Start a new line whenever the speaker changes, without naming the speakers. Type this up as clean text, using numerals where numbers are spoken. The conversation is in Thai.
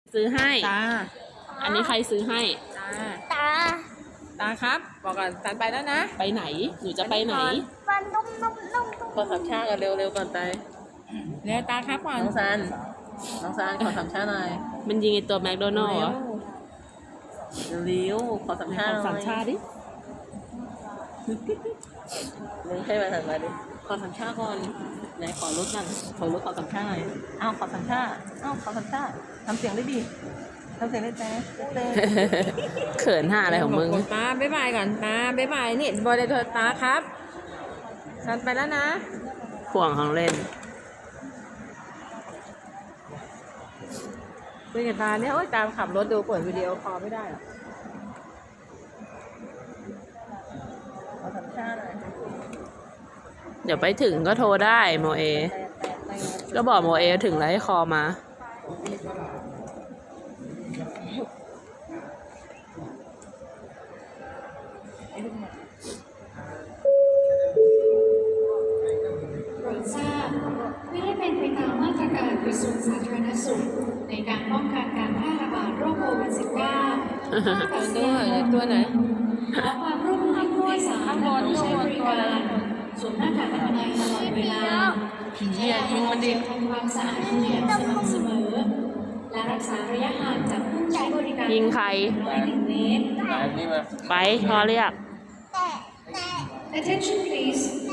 ซื้อให้
ตา
อันนี้ใครซื้อให้
ตาตาครับบอกก่อนสันไปแล้วนะ
ไปไหน หนูจะไปไหน
ฟันนุ่ม
ขอสามชากันเร็วๆก่อนไป
เร็วตาครับก่อน
น้องซันขอสามชาหน่อย
มันยิงไอตัวแมคโดนัลล์เหรอ
เร็วขอสามชาหน่อย
ขอสามชาดิ
มึงให้มาถัดมาดิขอสามชาก่อนไหนขอรถกันขอสามชาหน่อยอ้าวขอสามชาขอสามชาทำเสียงได้ดิทำเสียงได้แต่เต้
เขินห่าอะไรของมึง
ตาบ๊ายบายก่อนตาบ๊ายบายนี่บอยเลยเธอตาครับสันไปแล้วนะ
ห่วงของเล่น
คุยกับตาเนี่ยโอ๊ยตามขับรถดูเปิดวิดีโอคอลไม่ได้หรอ
ขอสามชาหน่อย
เดี๋ยวไปถึงก็โทรได้โมเอ ก็บอกโมเอถึงแล้วให้คอมา
โปรดทราบเพื่อให้เป็นไปตามมาตรการกระทรวงสาธารณสุขในการป้องกันการแพร่ระบาดโรคโควิด -19
ตัวไหน
ขอความร่วมมือให้ผู้โดยสารและผู้ใช้บริการสวมหน้ากากอนามัยตลอดเวลา
ผียิงมันดิ
ทำความสะอาดมืออย่างสม่ำเสมอ และรักษาระยะห่างจากผู้ใช้บริการ
ยิงใคร
1 เมตร
นี่มา
ไปพอเรียก
แต่
Attention please